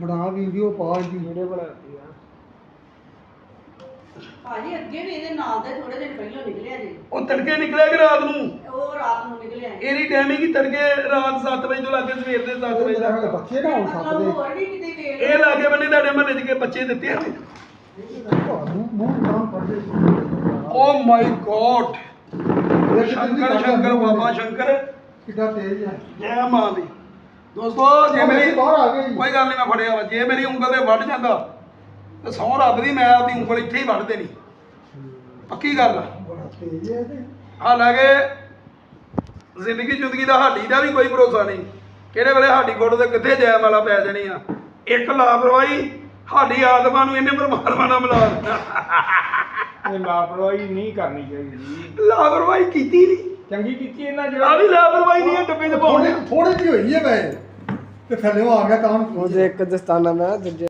ਬਣਾ ਵੀਡੀਓ ਪਾ ਜੀ ਵੀਡੀਓ ਬਣਾਤੀ ਆ ਭਾਜੀ ਅੱਗੇ ਵੀ ਇਹਦੇ ਨਾਲ ਦੇ ਥੋੜੇ ਦਿਨ ਪਹਿਲਾਂ ਨਿਕਲਿਆ ਜੀ ਉਹ ਤੜਕੇ ਨਿਕਲਿਆ ਕਿ ਰਾਤ ਨੂੰ ਉਹ ਰਾਤ ਨੂੰ ਨਿਕਲਿਆ ਇਹਦੀ ਟਾਈਮਿੰਗ ਹੀ ਤੜਕੇ ਰਾਤ 7 ਵਜੇ ਤੋਂ ਲੱਗੇ ਸਵੇਰ ਦੇ 7 ਵਜੇ ਤੱਕ ਬੱਚੇ ਨਾ ਹੋ ਸਕਦੇ ਹੋਰ ਵੀ ਕਿਤੇ ਵੇਖ ਇਹ ਲਾਗੇ ਬੰਨੇ ਤੁਹਾਡੇ ਮਹੱਲੇ 'ਚ ਕੇ ਬੱਚੇ ਦਿੱਤੇ ਆ ਮੂੰਹ ਨਾਮ ਪੜਦੇ oh my God Shankar Shankar ਬਾਬਾ ਸ਼ੰਕਰ ਕਿੱਡਾ ਤੇਜ਼ ਹੈ ਜੈ ਮਾਂ ਦੀ ਦੋਸਤੋ ਜੇ ਮੇਰੀ ਬਾਹਰ ਆ ਗਏ ਜੀ। ਕੋਈ ਗੱਲ ਨਹੀਂ ਮੈਂ ਫੜਿਆ ਵਾ ਜੇ ਮੇਰੀ ਉਂਗਲ ਤੇ ਵੱਢ ਜਾਂਦਾ ਤੇ ਸਹੁੰ ਰੱਬ ਦੀ ਮੈਂ ਆਪਦੀ ਉਂਗਲ ਇੱਥੇ ਹੀ ਵੱਢ ਦੇਣੀ ਪੱਕੀ ਗੱਲ ਆ ਬੜਾ ਤੇਜ਼ ਹੈ ਤੇ ਹਾਲਾਂਕਿ ਜ਼ਿੰਦਗੀ ਜ਼ਿੰਦਗੀ ਦਾ ਹਾਡੀ ਦਾ ਵੀ ਕੋਈ ਭਰੋਸਾ ਨਹੀਂ ਕਿਹੜੇ ਵੇਲੇ ਹਾਡੀ ਗੁੱਟ ਤੇ ਕਿੱਥੇ ਜੈ ਮਾਲਾ ਪੈ ਜਾਣੀ ਆ ਇੱਕ ਲਾਪਰਵਾਹੀ ਸਾਡੀ ਆਤਮਾ ਨੂੰ ਇਹਨੇ ਪਰਮਾਤਮਾ ਨਾਲ ਮਿਲਾ ਦਿੱਤਾ ਇਹ ਲਾਪਰਵਾਹੀ ਨਹੀਂ ਕਰਨੀ ਚਾਹੀਦੀ ਲਾਪਰਵਾਹੀ ਕੀਤੀ ਨਹੀਂ ਚੰਗੀ ਕੀਤੀ ਇਹਨਾਂ ਆ ਜਿਹੜਾ ਵੀ ਲਾਪਰਵਾਹੀ ਨਹੀਂ ਆ ਡੱਬੇ 'ਚ ਪਾਉਣੇ ਥੋੜੀ ਜਿਹੀ ਹੋਈ ਹੈ ਵੈ ਤੇ ਥੱਲੇ ਆ ਗਿਆ ਤਾਂ ਉਹਦੇ ਇੱਕ ਦਸਤਾਨਾ ਮੈਂ ਦੂਜੇ